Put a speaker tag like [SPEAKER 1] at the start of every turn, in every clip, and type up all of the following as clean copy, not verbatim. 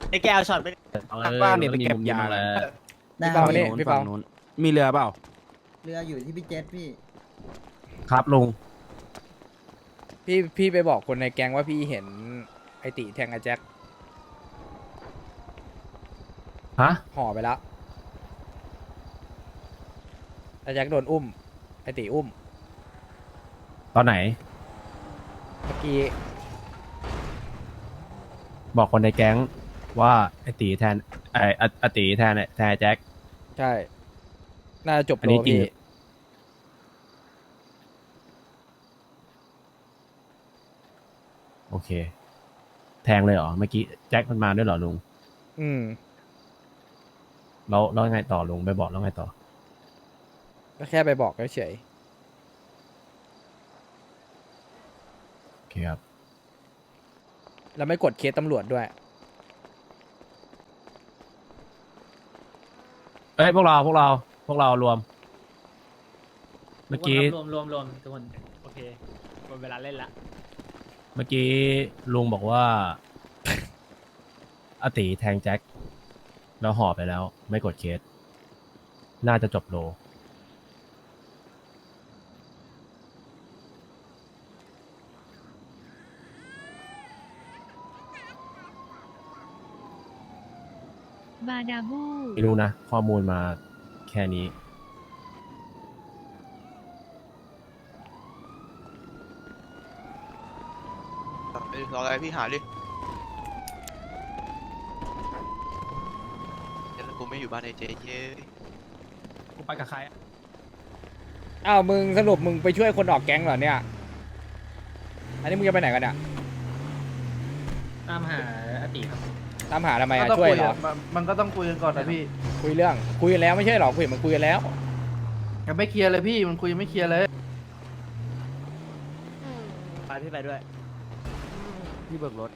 [SPEAKER 1] ไอ้แกเอาช็อตไป
[SPEAKER 2] บ้านเนี่ยไปเก็บยา
[SPEAKER 3] แล้ว
[SPEAKER 2] พี่เปาเนี่ยพี่เปา
[SPEAKER 3] มีเรือเปล่า
[SPEAKER 4] เรืออยู่ที่พี่เจษพี่
[SPEAKER 3] ครับลุง
[SPEAKER 2] พี่ไปบอกคนในแก๊งว่าพี่เห็นไอติแทงไอแจ็ค
[SPEAKER 3] ฮะ
[SPEAKER 2] ห่อไปแล้วไอแจ็คโดนอุ้มไอติอุ้ม
[SPEAKER 3] ตอนไหน
[SPEAKER 2] เมื่อกี้
[SPEAKER 3] บอกคนในแก๊งว่าไอตีแทนไอตีแทนแทนแจ็ค
[SPEAKER 2] ใช่น่าจะจบ
[SPEAKER 3] อัน
[SPEAKER 2] โล
[SPEAKER 3] นี้จริง
[SPEAKER 2] พี่
[SPEAKER 3] โอเค แทงเลยเหรอ เมื่อกี้แจ็คมันมาด้วยเหรอลุง
[SPEAKER 2] อืม
[SPEAKER 3] แล้วไงต่อลุงไปบอกแล้วไงต่อ
[SPEAKER 2] ก็แค่ไปบอกเฉย
[SPEAKER 3] โอเคครับ
[SPEAKER 2] ๆแล้วไม่กดเคสตำรวจด้วย
[SPEAKER 3] เอ้ยพวกเรารวม เมื่อกี้
[SPEAKER 1] รวมทุกคนโอเคหมดเวลาเล่นละ
[SPEAKER 3] เมื่อกี้ลุงบอกว่า อาตีแทงแจ็คแล้วห่อไปแล้ว ไม่กดเคส น่าจะจบโล
[SPEAKER 5] บาดาบู
[SPEAKER 3] ไม่รู้นะ ข้อมูลมาแค่นี้
[SPEAKER 6] รออะไรพี่หาดิเดี๋ยวกูไม่อยู่บ้านไอเจเย้
[SPEAKER 3] กูไปกับใคร
[SPEAKER 2] อ้าวมึงสรุปมึงไปช่วยคนออกแก๊งเหรอเนี่ย อันนี้มึงจะไปไหนกันเนี่ย
[SPEAKER 1] ตามหาอติครับ
[SPEAKER 2] ตามหาทำไม
[SPEAKER 7] ก็
[SPEAKER 2] อะ
[SPEAKER 7] ต้อง
[SPEAKER 2] ช่วย
[SPEAKER 7] คุย
[SPEAKER 2] เหรอ
[SPEAKER 7] มันก็ต้องคุยกันก่อนนะพี่
[SPEAKER 2] คุยเรื่องคุยกันแล้วไม่ใช่เหรอคุยมันคุยกันแล้ว
[SPEAKER 7] ยังไม่เคลียร์เลยพี่ มันคุยยังไม่เคลียร์เลย
[SPEAKER 1] ไปพี่ไปด้วย
[SPEAKER 3] พี่เบิกรถ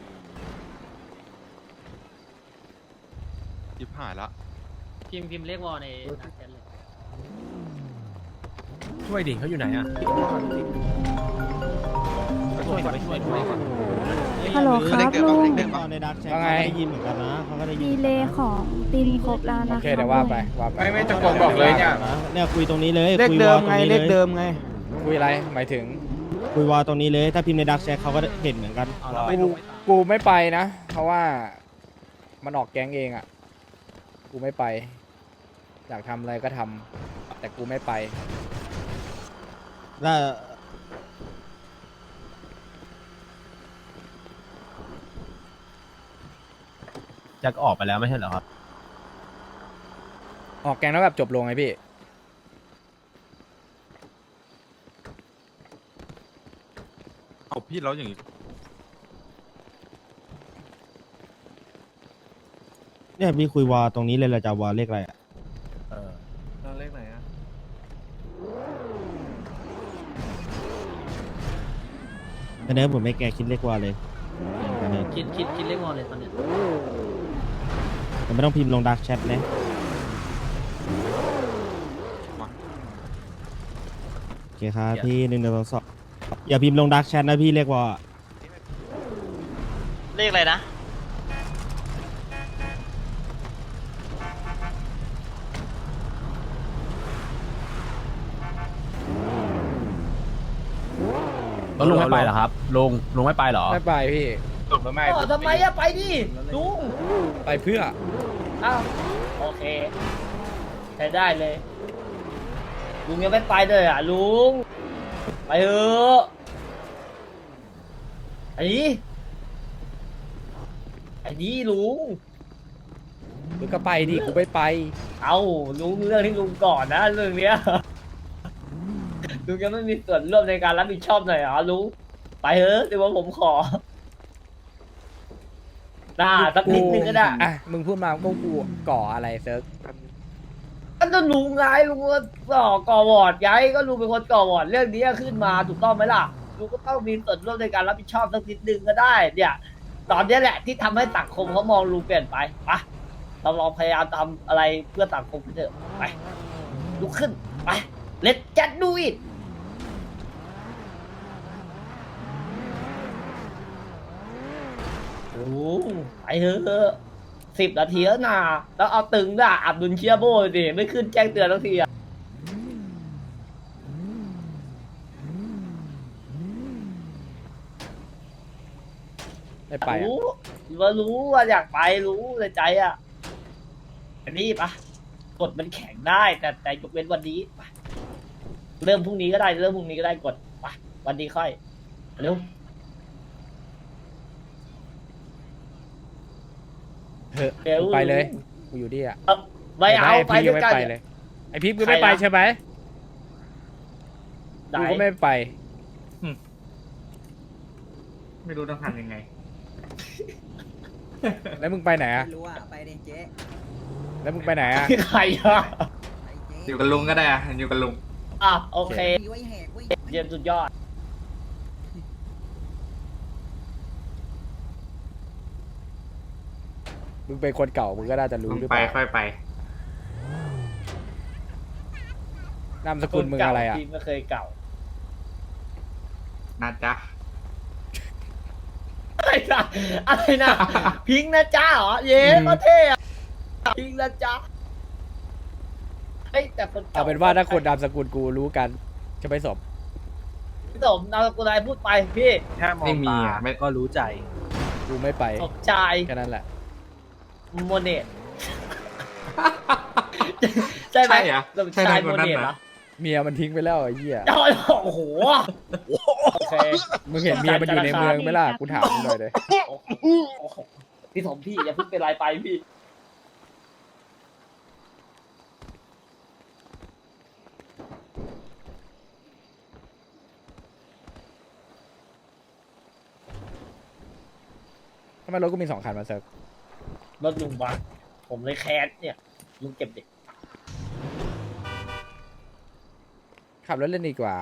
[SPEAKER 6] ยิบหายละ
[SPEAKER 1] พิมพ์เรียกวอลในดักแชทเลย
[SPEAKER 3] ช่วยดิเขาอยู่ไหนอ่ะ
[SPEAKER 1] ช่วยก่อนช่วยก่อน
[SPEAKER 5] ฮัลโหลครับลุง
[SPEAKER 4] ในดักแชท
[SPEAKER 2] ว่าไง
[SPEAKER 4] ได้ยินเหมือนกันนะเขาก็ได้ยิ
[SPEAKER 5] ดี
[SPEAKER 4] น
[SPEAKER 5] เลย์ของติมครบแล้ว
[SPEAKER 2] โอ
[SPEAKER 5] นะ
[SPEAKER 2] เค
[SPEAKER 5] ครับ
[SPEAKER 2] เดี๋ยวว่าไปว่าไป
[SPEAKER 7] ไม่ตะโกนบอกเลยเนี่ย
[SPEAKER 4] เนี่ยคุยตรงนี้เลย
[SPEAKER 7] เลข
[SPEAKER 4] คุย
[SPEAKER 7] เดิ
[SPEAKER 4] วอ
[SPEAKER 7] ม
[SPEAKER 4] ลตร
[SPEAKER 7] ไง
[SPEAKER 4] นี้
[SPEAKER 7] เล
[SPEAKER 4] เล
[SPEAKER 7] ข
[SPEAKER 4] ย
[SPEAKER 7] เดิมไง
[SPEAKER 2] คุยอะไรหมายถึง
[SPEAKER 4] คุยวอลตรงนี้เลย ถ้าพิมพ์ในดักแชทเขาก็เห็นเหมือนกัน
[SPEAKER 2] กูไม่ไปนะ เพราะว่ามันออกแก๊งเองอ่ะ กูไม่ไป อยากทำอะไรก็ทำแต่กูไม่ไป
[SPEAKER 4] ถ้า
[SPEAKER 3] แจ็คออกไปแล้วไม่ใช่เหรอครับ
[SPEAKER 2] ออกแก๊งแล้วแบบจบลงไงพี่
[SPEAKER 6] เอาพี่แล้วอย่างงี้
[SPEAKER 4] เนี่ยพี่คุยวอลตรงนี้เลยเราจะวอลเลขอะไรอ่ะ
[SPEAKER 7] เลขไหนอะ
[SPEAKER 4] แต่เนี้ยผมไม่แกคิดเลขวอลเลย
[SPEAKER 1] คิดเรียกวอลเลยตอนเนี้ย
[SPEAKER 4] แต่ไม่ต้องพิมพ์ลงดักแชทนะโอเคครับพี่1 1 2 2อย่าพิมพ์ลงดักแชทนะพี่เลขวอล
[SPEAKER 1] เลขอะไรนะ
[SPEAKER 3] แล้วลุงไม่ไปเหรอครับ ลุงไม่ไปเหรอ
[SPEAKER 2] ไม่ไปพี่ไม่
[SPEAKER 1] ทำไมอะไปดิลุง
[SPEAKER 2] ไปเพื่อ
[SPEAKER 1] อ้าวโอเคใช้ได้เลยลุงยังไม่ไปเลยอ่ะลุงไปเถอะไอ้นี่ลุง
[SPEAKER 2] มึงก็ไปดิกูไม่ไป
[SPEAKER 1] เอาลุงเรื่องที่ลุงก่อนนะเรื่องเนี้ยลุงยังไม่มีส่วนร่วมในการรับผิดชอบหน่อยเหรอลุงไปเถอะแต่ว่าผมขอน่าสักนิดนึงก็ได้
[SPEAKER 2] อ่ะ มึงพูดมาก็กูก่ออะไรเซิร์ฟ
[SPEAKER 1] ก็ต้องลุงไงลุงก็ก่อวอร์ดไงก็ลุงเป็นคนก่อวอร์ดเรื่องนี้ขึ้นมาถูกต้องไหมล่ะลุงก็ต้องมีส่วนร่วมในการรับผิดชอบสักนิดนึงก็ได้เนี่ยตอนนี้แหละที่ทำให้สังคมเขามองลุงเปลี่ยนไปไปเราลองพยายามทำอะไรเพื่อสังคมกันเถอะไปลุกขึ้นไป let's just do it ลุงไปเถอะ 10 นาทีแล้วนะแล้วเอาตึงด่ะอับดุลเชียโบดิไม่ขึ้นแจ้งเตือนทักทีอะ
[SPEAKER 2] ไม่ไปอะ
[SPEAKER 1] รู้ว่าอยากไปรู้ในใจอ่ะแต่นี่ปะกดมันแข็งได้แต่ยกเว้นวันนี้ไปเริ่มพรุ่งนี้ก็ได้เริ่มพรุ่งนี้ก็ได้กดไปวันนี้ค่อยเร็ว
[SPEAKER 2] เถอะ
[SPEAKER 1] เร็ว
[SPEAKER 2] กูไปเลยกูอยู่ดีอะ
[SPEAKER 1] ไม่เอา
[SPEAKER 2] ไอ้
[SPEAKER 1] ไป
[SPEAKER 2] พี่
[SPEAKER 1] ด้
[SPEAKER 2] ก็
[SPEAKER 1] วย
[SPEAKER 2] ไม่
[SPEAKER 1] กัน
[SPEAKER 2] ไปเลยไอพี่ก็ไม่ไป
[SPEAKER 1] ใครนะ
[SPEAKER 2] ใช่ไหม
[SPEAKER 1] ไหน
[SPEAKER 2] กูก็ไม่ไป
[SPEAKER 7] ไม่รู้ต้องทำยังไง
[SPEAKER 2] แล้วมึงไปไหนอะ
[SPEAKER 8] ไม่รู้อ่ะ ไปดิเจ๊
[SPEAKER 2] แล้วมึงไปไหนอะ
[SPEAKER 1] ใครอะ
[SPEAKER 8] ไปเจ๊
[SPEAKER 7] อยู่กับลุงก็ได้อะอยู่กับลุง
[SPEAKER 1] อ่ะโอเค
[SPEAKER 8] มีไว้แหกไว้
[SPEAKER 1] เยี่ยมสุดยอด
[SPEAKER 2] มึงเป็นคนเก่ามึงก็น่าจะรู้หรือเปล่า
[SPEAKER 7] ค่อยไป
[SPEAKER 2] นามสกุลมึงอะไรอะ
[SPEAKER 1] ที่ไม่เคยเก่า
[SPEAKER 7] นะจ๊ะ
[SPEAKER 1] อะไรนะอะไรนะพิงค์นะจ้าเหรอเย้ก็เท่อะพิงค์นะจ้าเฮ้ยแต่คนก่
[SPEAKER 2] เอาเป็นว่าถ้าคนนามสกุลกูรู้กันจะไปสม
[SPEAKER 1] พี่สมนามสกุลอะไรพูดไปพี่
[SPEAKER 7] แค่มองตาไม่ก็รู้ใจ
[SPEAKER 2] กูไม่ไป
[SPEAKER 1] สมชาย
[SPEAKER 2] แค่นั้นแหละ
[SPEAKER 1] โมเนตใช่ไหม
[SPEAKER 7] ใช่เหรอ
[SPEAKER 1] สมชาย
[SPEAKER 7] ใช่
[SPEAKER 1] โม
[SPEAKER 7] คนนั้น
[SPEAKER 1] เนต
[SPEAKER 7] เหรอ
[SPEAKER 1] เหรอ
[SPEAKER 2] เมียมันทิ้งไปแล้วไอ้เหี้ย
[SPEAKER 1] โอ้โหโอเค
[SPEAKER 2] มึงเห็นเมียมันอยู่ในเมืองไหมล่ะกูถามมึงหน่อยเลย
[SPEAKER 1] โอ้โหพี่สมพี่อย่าเพิ่งเป็นไรไปพี่
[SPEAKER 2] ทำไมรถกูมี2 คันมาเซิร์ฟ
[SPEAKER 1] รถลุงบังผมเลยแคสเนี่ยลุงเก็บเด็ก
[SPEAKER 2] ขับรถเล่นดีกว่า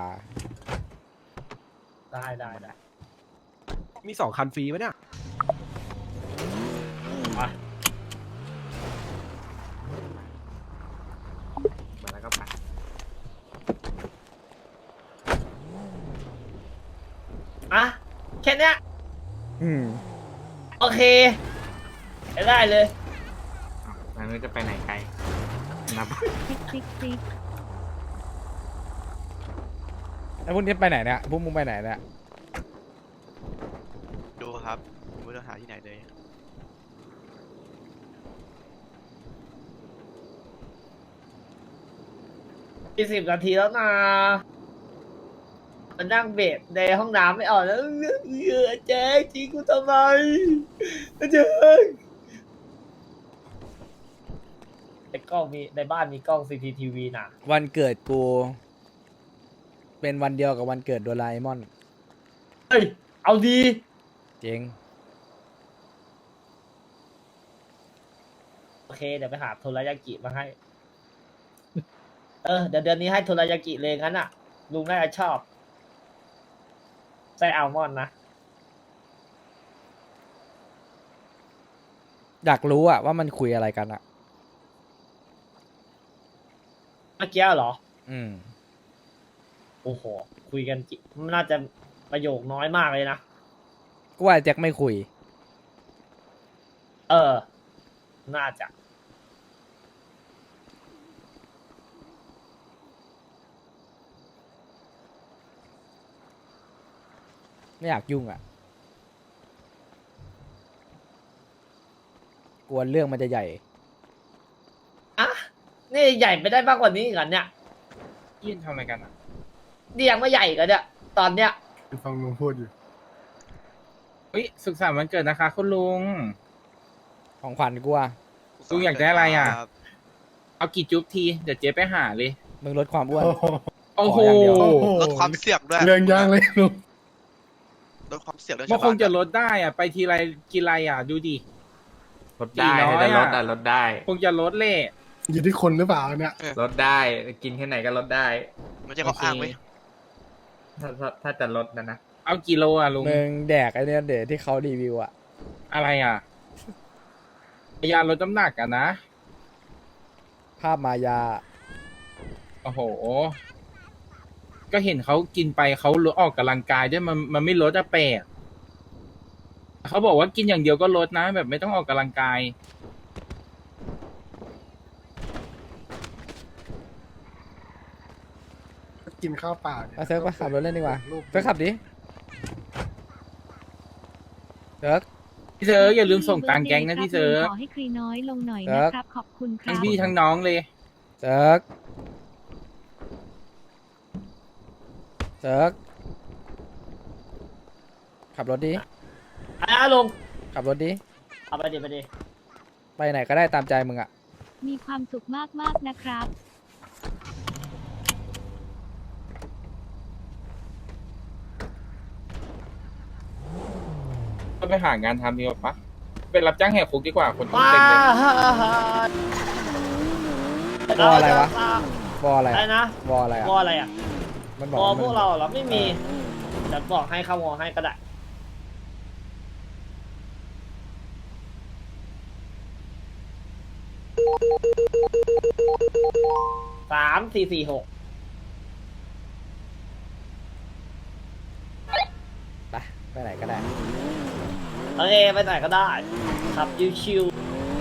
[SPEAKER 1] ได้
[SPEAKER 3] มี2 คันฟรีไหมเนี่ย
[SPEAKER 1] มา
[SPEAKER 7] มาแล้วก็ไป
[SPEAKER 1] อ่ะแค่เนี้ย
[SPEAKER 2] อืม
[SPEAKER 1] โอเคได้เลย
[SPEAKER 7] แล้วนึกจะไปไหนไกลนับ
[SPEAKER 5] ติ๊กติ๊กติ๊ก
[SPEAKER 2] แล้วพวกนี้ไปไหนเนี่ยพวกมึงไปไหนเนี่ย
[SPEAKER 6] ดูครับผมไม่ต้องหาที่ไหนเลย
[SPEAKER 1] อีก10 นาทีแล้วนะมันนั่งเบรในห้องน้ำไม่ออกแล้วแจ๊คทิ้งกูทำไมแจ๊คในกล้องมีในบ้านมีกล้อง CCTV นะ
[SPEAKER 2] วันเกิดกู เป็นวันเดียวกับวันเกิดโดราเอมอน
[SPEAKER 1] เฮ้ย เอาดี
[SPEAKER 2] เจ๋ง
[SPEAKER 1] โอเค เดี๋ยวไปหาโทรายากิมาให้ เดี๋ยวเดือนนี้ให้โทรายากิเลยงั้นอ่ะ ลุงน่าจะชอบไส้อัลมอนด์นะ
[SPEAKER 2] อยากรู้อะว่ามันคุยอะไรกันอะ
[SPEAKER 1] เมื่อกี้เหรอ
[SPEAKER 2] อืม
[SPEAKER 1] โอ้โห คุยกันน่าจะประโยคน้อยมากเลยนะ
[SPEAKER 2] กูว่าแจ็คไม่คุย
[SPEAKER 1] น่าจะ
[SPEAKER 2] ไม่อยากยุ่งอะกลัวเรื่องมันจะใหญ่
[SPEAKER 1] อ่ะ นี่ใหญ่ไปได้มากกว่านี้อีกเหรอเนี่ย
[SPEAKER 7] ยื่นทำอะไรกันอ่ะ
[SPEAKER 1] นี่ยังไม่ใหญ่กันเนี่ย ตอนเนี้ย
[SPEAKER 9] ฟังลุงพูดอยู่
[SPEAKER 7] เฮ้ยสุขสันต์วันเกิดนะคะคุณลุง
[SPEAKER 2] ของขวัญกูอะ
[SPEAKER 7] ลุงอยากได้อะไรอ่ะ เอากี่จุ๊บที เดี๋ยวเจ๊ไปหาเลย
[SPEAKER 2] มึงลดความอ้วน
[SPEAKER 7] โอ้โห
[SPEAKER 2] ขออย่างเดียว
[SPEAKER 6] ลดความเสี่ยงด้วย
[SPEAKER 9] เรื่องยากเลยลุง
[SPEAKER 6] ลดความเสี่ยงด้วย
[SPEAKER 7] มันคงจะลดได้อ่ะ ไปทีไรกินไรอ่ะ ดูดิ
[SPEAKER 10] ลดได้
[SPEAKER 7] 400
[SPEAKER 10] ถ้าจะลด
[SPEAKER 7] อะ
[SPEAKER 10] อะลดได้
[SPEAKER 7] คงจะลดเล่
[SPEAKER 9] อยู่ที่คนหรือเปล่าเนี่ย
[SPEAKER 10] ลดได้ กินแค่ไหนก็ลดได้
[SPEAKER 6] มันจะเขาอ้างไหม
[SPEAKER 10] ถ้าจะลดนะ
[SPEAKER 7] เอากี่โลอ่ะลุง
[SPEAKER 2] มึงแดกไอ้เนี่ยเดี๋ยวที่เขารีวิวอะ
[SPEAKER 7] อะไรอ่ะยาลดน้ำหนักอ่ะนะ
[SPEAKER 2] ภาพมายา
[SPEAKER 7] โอ้โห ก็เห็นเขากินไปเขาลดออกกำลังกายด้วยมันไม่ลดอะแปลกเขาบอกว่ากินอย่างเดียวก็ลดนะ แบบไม่ต้องออกกำลังกาย
[SPEAKER 9] กินข้าวเปล่านี่ย
[SPEAKER 2] เอาเซิร์ฟไปขับรถเล่นดีกว่า
[SPEAKER 9] รูป
[SPEAKER 2] เซิร์ฟขับดิเซิร์ฟ
[SPEAKER 7] พี่เซิร์ฟอย่าลืมส่งตังค์แก๊งนะพี่เซิร์ฟ
[SPEAKER 5] ขอให้คลีน้อยลงหน่อย
[SPEAKER 2] เซิร์
[SPEAKER 5] นะ
[SPEAKER 2] ฟ
[SPEAKER 5] ครับ ขอบคุณครั
[SPEAKER 7] ทั้ง
[SPEAKER 5] บ
[SPEAKER 7] พี่ทั้งน้องเลย
[SPEAKER 2] เซิร์ฟเซิร์ฟขับรถดิ
[SPEAKER 1] ลุง
[SPEAKER 2] ขับรถดิ
[SPEAKER 1] เอาไปดิไปดิ
[SPEAKER 2] ไปไหนก็ได้ตามใจมึงอะ
[SPEAKER 5] มีความสุขมากๆนะครับ
[SPEAKER 7] ก็ไปหางานทำดีกว่าปะเป็นรับจ้างแหกคุกดีกว่าคน
[SPEAKER 1] ว้า
[SPEAKER 7] เต็มเลย
[SPEAKER 2] วออะไรวะวออะไร
[SPEAKER 1] อะไร
[SPEAKER 2] อะ
[SPEAKER 1] นะ
[SPEAKER 2] วออะไรอะ
[SPEAKER 1] วออะไรอ่ะ
[SPEAKER 2] มันบอก
[SPEAKER 1] วอ
[SPEAKER 2] ว่า
[SPEAKER 1] พวกเราเหรอไม่มีจะบอกให้เข้าวอให้ก็ได้3446
[SPEAKER 2] ไปไหนก็ได้
[SPEAKER 1] โอเคไปไหนก็ได้ขับชิว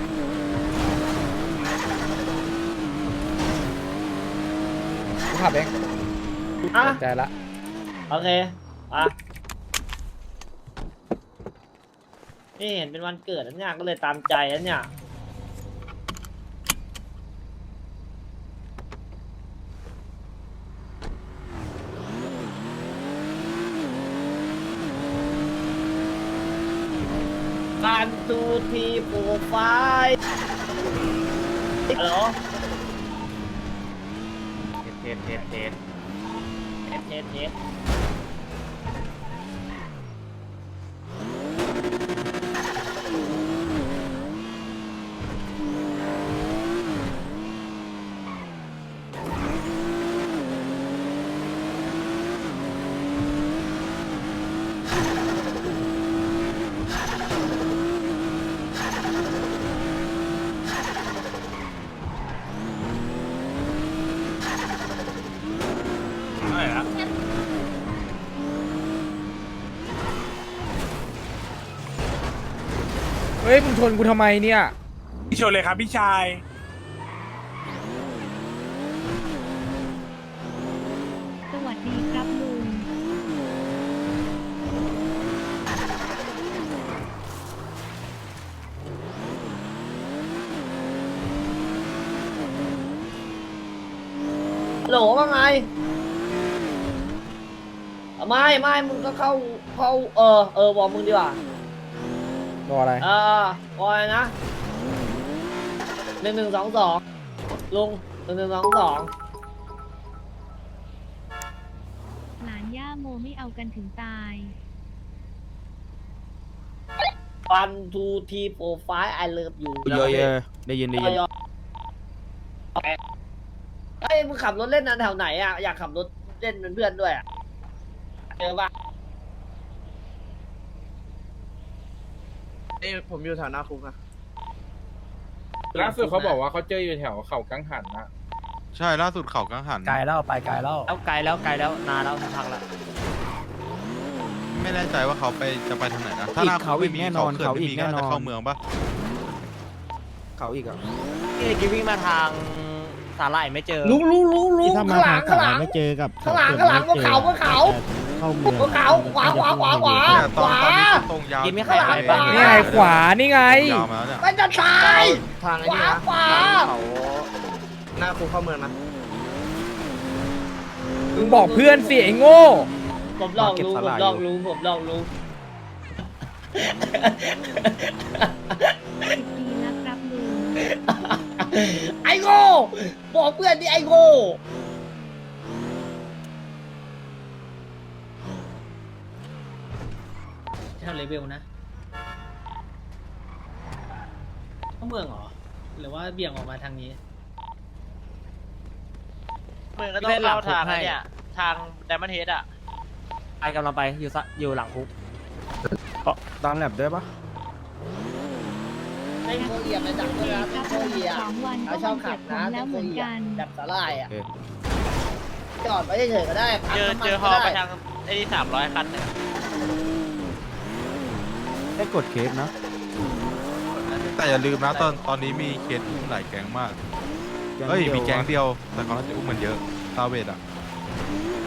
[SPEAKER 2] กูขับเอง
[SPEAKER 1] ๆอ่ะ
[SPEAKER 2] ใจละ
[SPEAKER 1] โอเคอ่ะนี่เห็นเป็นวันเกิดแล้วเนี่ยก็เลยตามใจแล้วเนี่ยการดูทีโปรไฟล์ฮัลโหล
[SPEAKER 10] เทส
[SPEAKER 1] เทส
[SPEAKER 2] เฮ้ยมึงชนกูทำไมเนี่ย
[SPEAKER 9] พี่ชนเลยครับพี่ชาย
[SPEAKER 5] สวัสดีครับลุง
[SPEAKER 1] ฮัลโหลว่าไงไม่มึงก็เข้าบอกมึงดีกว่าว
[SPEAKER 2] ออะไร
[SPEAKER 1] วอะไรนะ1122ลุง1122
[SPEAKER 5] หลานย่าโมไม่เอากันถึงตาย
[SPEAKER 1] 1 2 3 4 5 I love you
[SPEAKER 4] เยอะๆได้ยิน
[SPEAKER 1] เอ้ยมึงขับรถเล่นนะแถวไหนอ่ะอยากขับรถเล่นเป็นเพื่อนด้วยอ่ะเจอปะ
[SPEAKER 10] ผมอยู่แถวหน้าคุกนะ
[SPEAKER 7] ล่าสุดเขาบอกว่าเขาเจออยู่แถวเขากังหันนะ
[SPEAKER 11] ใช่ล่าสุดเขากังหัน
[SPEAKER 3] ไกลแล้วไปไกลแล้ว
[SPEAKER 1] เอาไกลแล้วนานแล้วพักแล้ว
[SPEAKER 11] ไม่แน่ใจว่าเขาจะไปทางไหนนะ ถ้า
[SPEAKER 4] อีก
[SPEAKER 11] หน้า
[SPEAKER 4] เขาอีกแน่นอน
[SPEAKER 11] เขา
[SPEAKER 4] เขา
[SPEAKER 11] เขื่อน
[SPEAKER 4] อี
[SPEAKER 11] ไม่
[SPEAKER 4] ก
[SPEAKER 11] มีก็
[SPEAKER 4] แน่น
[SPEAKER 11] น่า
[SPEAKER 4] อน
[SPEAKER 11] จะเข้าเมืองปะ
[SPEAKER 4] เขาอีกอ่ะ
[SPEAKER 1] นี่กิวิ่งมาทางสาหร่ายไม่เจอลุง
[SPEAKER 4] ที่ถ้ามา
[SPEAKER 1] ข้างหลั
[SPEAKER 4] ทาง
[SPEAKER 1] ง
[SPEAKER 4] ขวาไม่เจอกับ
[SPEAKER 1] ข้างหลังบนเขา
[SPEAKER 4] เข้าเมือง
[SPEAKER 1] บนเขาขวา
[SPEAKER 11] แต่ตอนนี้ตรงยาว
[SPEAKER 1] กินไม่ใครไปบ้าง
[SPEAKER 2] นี่ไงขวานี่ไง
[SPEAKER 11] ยาวมาแล้วเนี่ย
[SPEAKER 1] ไม่จะตาย
[SPEAKER 10] ทางไอ้นี่นะ
[SPEAKER 1] ขวา
[SPEAKER 10] เขาหน้าคุกเข้าเมืองนะ
[SPEAKER 2] มึงบอกเพื่อนสิไอ้โง่
[SPEAKER 1] ผมลองรู้
[SPEAKER 5] 10 ปีแล้วครับลุง
[SPEAKER 1] ไอ้โง่บอกเพื่อนดิไอ้โง่เท่าเลเวลนะเข้าเมืองเหรอหรือว่าเบี่ยงออกมาทางนี้
[SPEAKER 6] เมืองก็ต้องเข้าทางเนี่ย ทางไดมอนด์เฮดอ่ะ
[SPEAKER 1] ไปกำลังไปอยู่หลังคุก
[SPEAKER 4] ตามแลบได้ปะ
[SPEAKER 1] ไม่โคเอียไปจับด้วยนะไม่โคเอีย
[SPEAKER 5] 2 วันก็
[SPEAKER 1] เขาช
[SPEAKER 5] วั
[SPEAKER 1] อบ
[SPEAKER 5] น
[SPEAKER 1] ขั
[SPEAKER 5] เกิ
[SPEAKER 1] บ
[SPEAKER 5] ดผ
[SPEAKER 1] นะ
[SPEAKER 5] มแล้วเหมือนกัน
[SPEAKER 1] จับสาลายอ่ะ
[SPEAKER 4] โอเค
[SPEAKER 1] จอดไว้เฉยๆก็ได้พักน้ำมัน
[SPEAKER 6] เจอฮ
[SPEAKER 1] ก็
[SPEAKER 6] อไป
[SPEAKER 1] ได้
[SPEAKER 6] ทางไอ้นี่300 คันเนี่ย
[SPEAKER 4] ได้กดเคสนะ
[SPEAKER 11] แต่อย่าลืมนะตอนนี้มีเคสอุ้มหลายแก๊งมาก เฮ้ยมีแก๊งเดียว แต่เขาน่าจะอุ้มมันเยอะซาเวดอ่ะ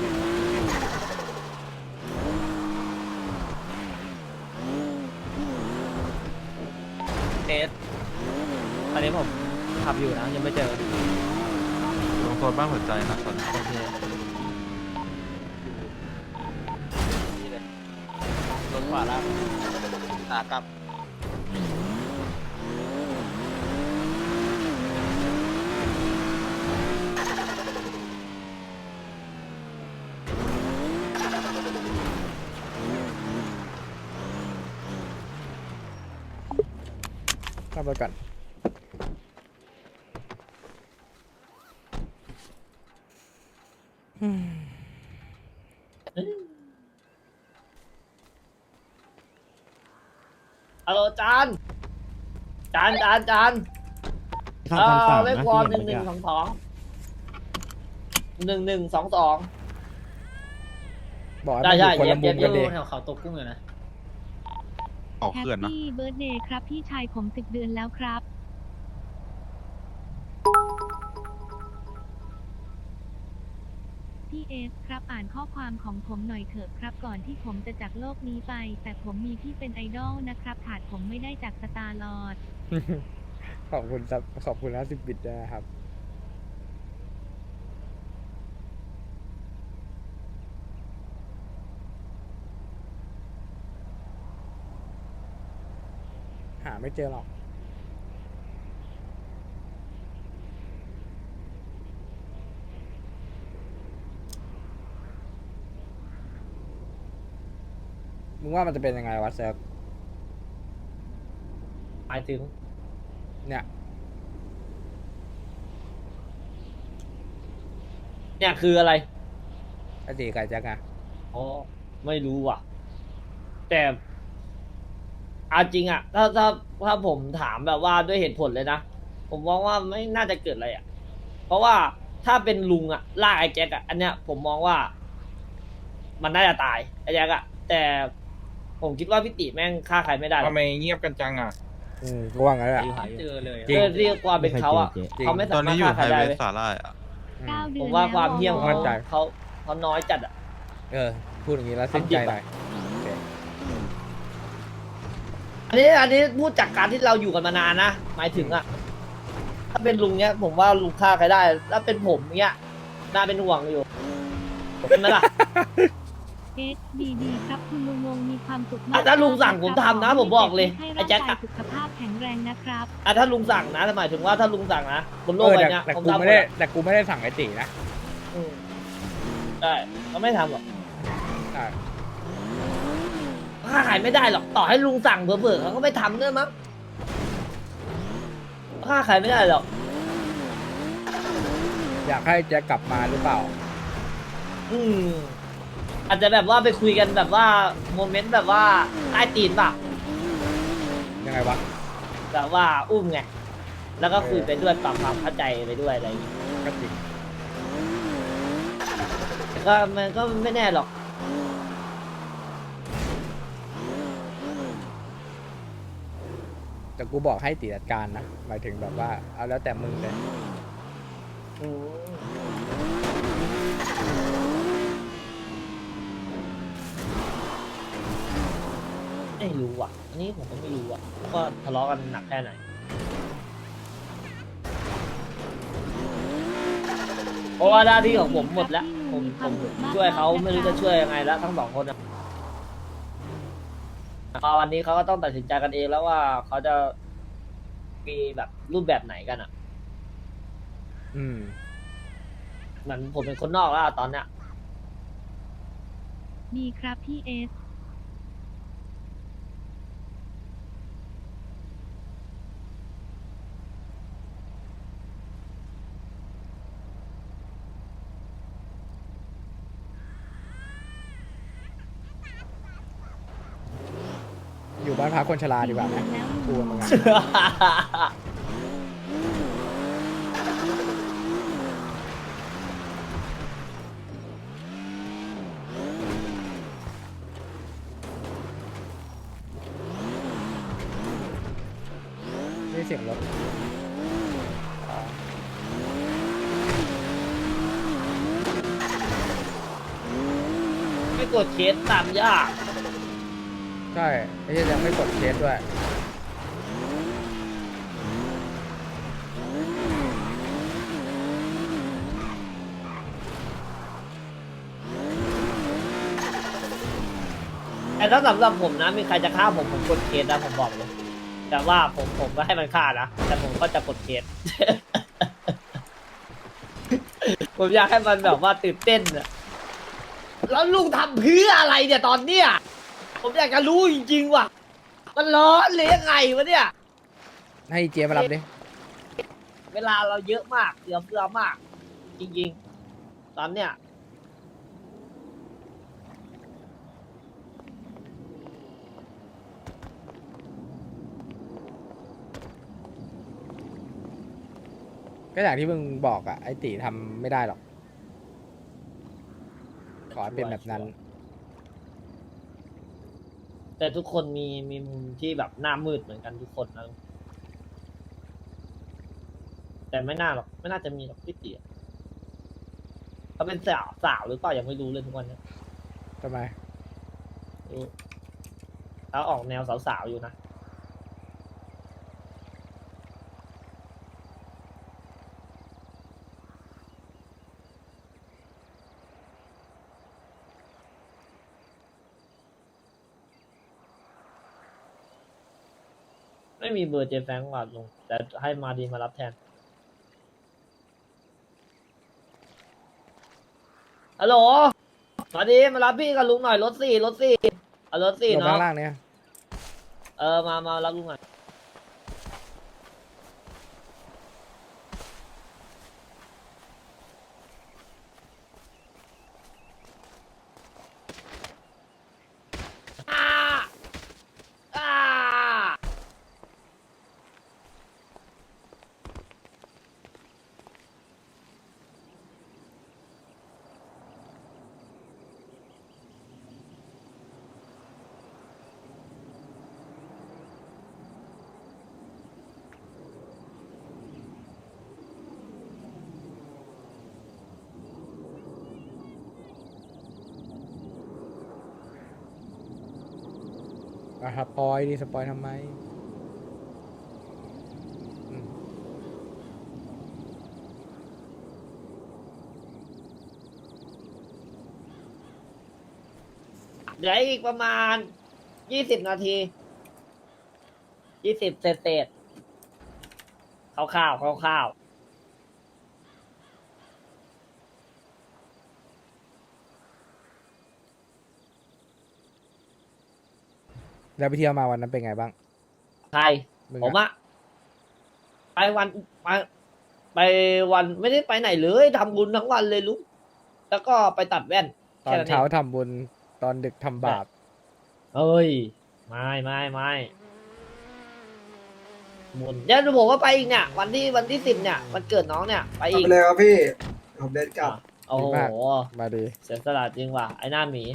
[SPEAKER 10] สตอนนี้ผมขับอยู่นะยังไม่เจอ
[SPEAKER 11] ลงโซนบ้านหัวใจนะตอนนี้
[SPEAKER 10] โอเค
[SPEAKER 6] นี่เลยรถขวาล่างขากลับ
[SPEAKER 2] ขับรถก่อน
[SPEAKER 1] ฮัลโหลจานจาน
[SPEAKER 4] ข้ามคำสั่ง
[SPEAKER 1] เลข
[SPEAKER 4] นะ
[SPEAKER 1] วอล
[SPEAKER 4] ที่
[SPEAKER 1] ห
[SPEAKER 4] เห็
[SPEAKER 1] นึ่
[SPEAKER 4] น
[SPEAKER 1] ง
[SPEAKER 4] เมื่อ
[SPEAKER 1] หนึ่ง
[SPEAKER 4] กี้
[SPEAKER 1] 2 2
[SPEAKER 2] บอกให้
[SPEAKER 1] ได้
[SPEAKER 2] มันอยู่คนละมุม
[SPEAKER 1] เย็
[SPEAKER 2] กัน
[SPEAKER 1] บ
[SPEAKER 2] ดิ
[SPEAKER 1] แถวเขาตกกุ้งเลยนะ
[SPEAKER 11] ออก
[SPEAKER 5] แฮป
[SPEAKER 11] เขื่อนนะ
[SPEAKER 5] ปี้เบิร์ดเดย์ครับพี่ชายผม10 เดือนแล้วครับ พี่เอสครับอ่านข้อความของผมหน่อยเถอะครับก่อนที่ผมจะจากโลกนี้ไป แต่ผมมีพี่เป็นไอดอลนะครับขาดผมไม่ได้จากสตาร์ลอร์ด
[SPEAKER 2] ขอบคุณครับขอบคุณ50 บิตด้วยนะครับ หาไม่เจอหรอก มึงว่ามันจะเป็นยังไงวะเซิร์ฟ
[SPEAKER 1] หมายถึง
[SPEAKER 2] เนี่ย
[SPEAKER 1] เนี่ยคืออะไร
[SPEAKER 2] ไอตีไก่แจ็คอะ
[SPEAKER 1] อ๋อไม่รู้ว่ะ แต่เอาจริงอะถ้าผมถามแบบว่าด้วยเหตุผลเลยนะ ผมมองว่าไม่น่าจะเกิดอะไรอะเพราะว่าถ้าเป็นลุงอะลากไอ้แจ็คอะอันเนี้ยผมมองว่า มันน่าจะตายไอ้แจ็คอะแต่ผมคิดว่าพี่ติแม่งฆ่าใครไม่ได้หรอก
[SPEAKER 7] ทำไมเงียบกันจังอ่ะ
[SPEAKER 2] ก็ว่างั้นแหละ
[SPEAKER 1] เจอเลย
[SPEAKER 2] จริง
[SPEAKER 1] เรียกความเป็นเขาอะ
[SPEAKER 2] จริง
[SPEAKER 1] เขาไม่
[SPEAKER 11] ต
[SPEAKER 1] สา
[SPEAKER 11] อน
[SPEAKER 1] มาร
[SPEAKER 11] นี้
[SPEAKER 1] ถ
[SPEAKER 11] อยู่
[SPEAKER 1] ฆ่า
[SPEAKER 11] ไฮ
[SPEAKER 1] ใครได้
[SPEAKER 11] เว
[SPEAKER 1] เลย
[SPEAKER 11] ย์สาหร่ายอ่ะ
[SPEAKER 5] 9 เดื
[SPEAKER 1] ผ
[SPEAKER 5] อน
[SPEAKER 1] มว่า
[SPEAKER 5] แล้ว
[SPEAKER 1] ความเหี้ยม
[SPEAKER 5] วอ
[SPEAKER 2] มั่นใจ
[SPEAKER 1] เขาน้อยจัดอะ
[SPEAKER 2] พูดอย่างนี้แล้วสิ้นใจหน่อยโอเค
[SPEAKER 1] อันนี้พูดจากการที่เราอยู่กันมานานนะหมายถึงอะถ้าเป็นลุงเนี้ย ผมว่าลุงฆ่าใครได้ถ้าเป็นผมเนี้ยน่าเป็นห่วงอยู่ใช่ไหมล่ะ
[SPEAKER 5] เอสดีครับคุณลุงวงมีความสุขมา
[SPEAKER 1] อ่ะ
[SPEAKER 5] ก
[SPEAKER 1] ถ้าลุงสั่งผมทำนะผมบอกเลย
[SPEAKER 5] ให้
[SPEAKER 1] ไอ้
[SPEAKER 5] ร่าง
[SPEAKER 1] แจ็ค
[SPEAKER 5] กาย
[SPEAKER 1] อะ
[SPEAKER 5] สุขภาพแข็งแรงนะครับ
[SPEAKER 1] ถ้าลุงสั่งนะหมายถึงว่าถ้าลุงสั่งนะบนโลกใบเนี้ย
[SPEAKER 2] แต่
[SPEAKER 1] ผม
[SPEAKER 2] กู
[SPEAKER 1] ทำหม
[SPEAKER 2] ไม่
[SPEAKER 1] ด
[SPEAKER 2] ได้
[SPEAKER 1] อะ
[SPEAKER 2] แต่กูไม่ได้สั่งไอตีนะ
[SPEAKER 1] อืมใช่เขาไม่ทำหรอก
[SPEAKER 2] ใช่
[SPEAKER 1] ฆ่าขายไม่ได้หรอกต่อให้ลุงสั่งเบื่อๆเขาก็ไม่ทำด้วยมั้งฆ่าขายไม่ได้หรอก
[SPEAKER 2] อยากให้แจ็คกลับมาหรือเปล่า
[SPEAKER 1] อืมอาจจะแบบว่าไปคุยกันแบบว่าโมเมนต์แบบว่าใต้ตีนป่ะ
[SPEAKER 2] ยังไงวะ
[SPEAKER 1] แบบว่าอุ้มไงแล้วก็คุยไปด้วยปรับความเข้าใจไปด้วยอะไรอย่างงี้
[SPEAKER 2] ก็จริง
[SPEAKER 1] แต่ก็มันก็ไม่แน่หรอก
[SPEAKER 2] แต่กูบอกให้ตีจัดการนะ หมายถึงแบบว่า เอาแล้วแต่มึงเลย
[SPEAKER 1] อืมไม่รู้อ่ะ อันนี้ผมก็ไม่รู้อ่ะว่าทะเลาะกันหนักแค่ไหน เพราะว่าหน้าที่ของผมหมดแล้ว ผมช่วยเขาไม่รู้จะช่วยยังไงแล้วทั้งสองคนอะพอวันนี้เขาก็ต้องตัดสินใจกันเองแล้วว่าเขาจะมีแบบรูปแบบไหนกันอ่ะ
[SPEAKER 2] อืม
[SPEAKER 1] เหมือนผมเป็นคนนอกแล้วอะตอนเนี้ย
[SPEAKER 5] ดีครับพี่เอส
[SPEAKER 2] อยู่บ้านพักคนชราดีกว่าไหมกูกับมึงอะนี่เสียงรถอ๋อ
[SPEAKER 1] ไม่กดเคสตามยาก
[SPEAKER 2] ใช่ไอ้เหี้ยยังไม่กดเคสด้วย
[SPEAKER 1] แต่ถ้าสำหรับผมนะมีใครจะฆ่าผมกดเคสนะผมบอกเลยแต่ว่าผมก็ให้มันฆ่านะแต่ผมก็จะกดเคส ผมอยากให้มันแบบว่าตื่นเต้นอะแล้วลุงทำเพื่ออะไรเนี่ยตอนเนี้ยผมอยากจะรู้จริงๆว่ะมันร้อนหรือยังไงวะเนี่ย
[SPEAKER 2] ให้เจมารับดิ
[SPEAKER 1] เวลาเราเยอะมากเหลือเฟือมาก จริงๆ ตอนเนี้ย
[SPEAKER 2] ก็อย่างที่มึงบอกอะไอติทำไม่ได้หรอก ขอให้เป็นแบบนั้น
[SPEAKER 1] แต่ทุกคนมีมุมที่แบบหน้ามืดเหมือนกันทุกคนนะแต่ไม่น่าหรอกไม่น่าจะมีหรอกพี่เตี๋ยเขาเป็นสาวหรือเปล่ายังไม่รู้เลยทุกวันเนี้ย
[SPEAKER 2] ทำไม
[SPEAKER 1] รู้เขาออกแนวสาวๆอยู่นะ ไม่มีเบอร์เจแฟงว่ะลุงแต่ให้มาดีมารับแทนฮัลโหลมาดีมารับพี่กับลุงหน่อยรถสี่เอารถสี่
[SPEAKER 2] ลง
[SPEAKER 1] เนาะ
[SPEAKER 2] ข้างล่างเนี่ย
[SPEAKER 1] มารับลุงหน่อยอ่าอ่า
[SPEAKER 2] สปอยดิสปอยทำไมอืม
[SPEAKER 1] เหลืออีกประมาณ20 นาที20เศษๆคร่าวๆ
[SPEAKER 2] แล้วไปเที่ยวมาวันนั้นเป็นไงบ้าง
[SPEAKER 1] ใคร
[SPEAKER 2] มึง
[SPEAKER 1] ผม
[SPEAKER 2] อะ
[SPEAKER 1] อะไปไปวันไม่ได้ไปไหนเลยทำบุญทั้งวันเลยลุงแล้วก็ไปตัดแว่น
[SPEAKER 2] ตอ
[SPEAKER 1] แค่
[SPEAKER 2] น
[SPEAKER 1] นั้นเอ
[SPEAKER 2] เช้าง ทำบุญตอนดึกทำบาป
[SPEAKER 1] เอ้ยไม่บุญเดี๋ยวผมก็ไปอีกเนี่ยวันที่10เนี่ยวันเกิดน้องเนี่ยไปอีก
[SPEAKER 8] เลยครับพี่ผมเดินกลับ
[SPEAKER 1] โอ้โห
[SPEAKER 2] ดีมาก มาดี
[SPEAKER 1] เสียสละจริงว่ะไอ้หน้าหมี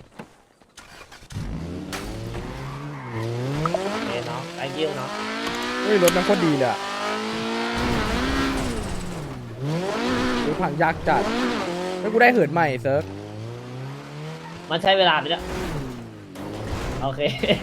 [SPEAKER 1] โอเคเนาะ thank you เนาะ
[SPEAKER 2] เฮ้ยรถมันโคตรดีเลยอะดูพังยากจัดแล้วกูได้เหินใหม่เซิร์ฟ
[SPEAKER 1] มันใช้เวลาไปแล้วโอเค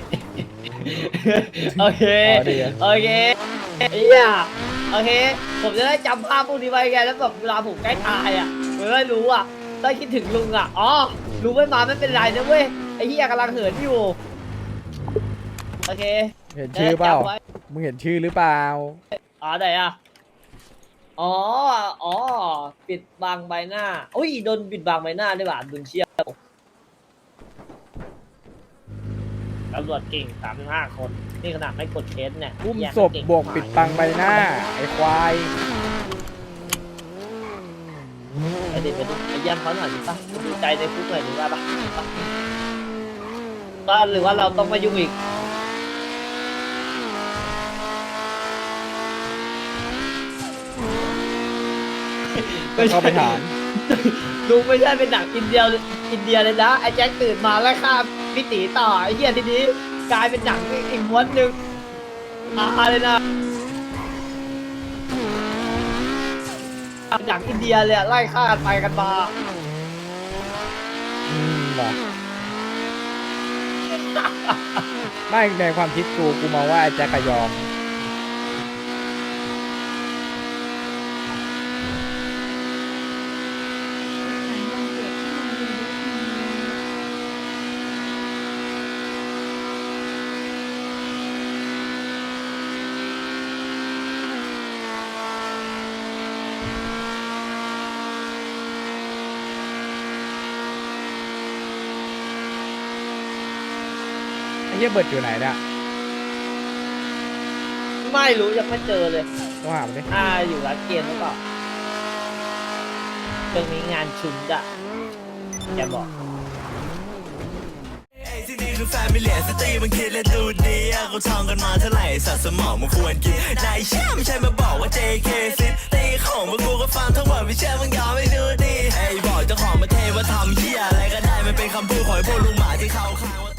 [SPEAKER 1] โอเค
[SPEAKER 2] อ๋อดีอะ
[SPEAKER 1] โอเคเฮียโอเค ผมจะได้จำภาพพวกนี้ไว้ไงแล้วแบบเวลาผมใกล้ตายอ่ะผมได้รู้อ่ะได้คิดถึงลุงอ่ะ อ๋อ ลุงไม่มาไม่เป็นไรนะเว้ย ไอ้เฮียกำลังเหินอยู่ โอเค
[SPEAKER 2] เห็นชื่อเปล่า
[SPEAKER 1] จะได้จำไว้
[SPEAKER 2] มึงเห็นชื่อหรือเปล่า
[SPEAKER 1] อ๋อไหนอ่ะ อ๋อ ปิดบังใบหน้าอุ้ยโดนปิดบังใบหน้าด้วยว่ะดุนเชียตำรวจเก่ง35 คน นี่ขนาดไม่กดเคสเนี่ย
[SPEAKER 2] อุ้ม
[SPEAKER 1] แย่ง
[SPEAKER 2] ศพ
[SPEAKER 1] เก่ง
[SPEAKER 2] บวกปิดบังใบหน้า ไอ้ควาย
[SPEAKER 1] ไปดิไปเยี่ยมเขาหน่อยดิป่ะดูใจในคุกหน่อยดีกว่าป่ะก็หรือว่าเราต้องมายุ่งอีก
[SPEAKER 2] เข้าไปถาม
[SPEAKER 1] ลุงไม่ใช่เป็นหนังอินเดียเลยนะไอ้แจ็คตื่นมาแล้วฆ่าพี่ตีต่อไอ้เหี้ยทีนี้กลายเป็นหนังอีกม้วนหนึ่งมาเลยนะหนังอินเดียเลยอะไล่ฆ่ากันไปกันมา
[SPEAKER 2] ว่ะไม่ในความคิดกูมองว่าไอ้แจ็คกะยอม
[SPEAKER 5] ฉันวันเกิดที่โรงเรียนด้วยที
[SPEAKER 2] เฮียเบิร์ดอยู่ไหนเนี่ย
[SPEAKER 1] ไม่รู้ยังไม่เจอเลย
[SPEAKER 2] ต้องหามันดิ
[SPEAKER 1] อยู่ร้านเกมหรือเปล่าเรื่องนี้งานชุนอะแกบอก
[SPEAKER 12] ที่นี่คือแฟมิเลียสตรีมันคิดและดูดีเขาท่องกันมาเท่าไหร่สัตว์สมองมันควรกินนายเชื่อไม่ใช่มาบอกว่า JK ซิตีของพวกกูก็ฟังทั้งหมดไม่เชื่อมึงยอมไม่ดูดีไอ้บอกเจ้าของประเทศว่าทำเหี้ยอะไรก็ได้มันเป็นคำพูดของพวกลุงหมาที่เขาข้างว่า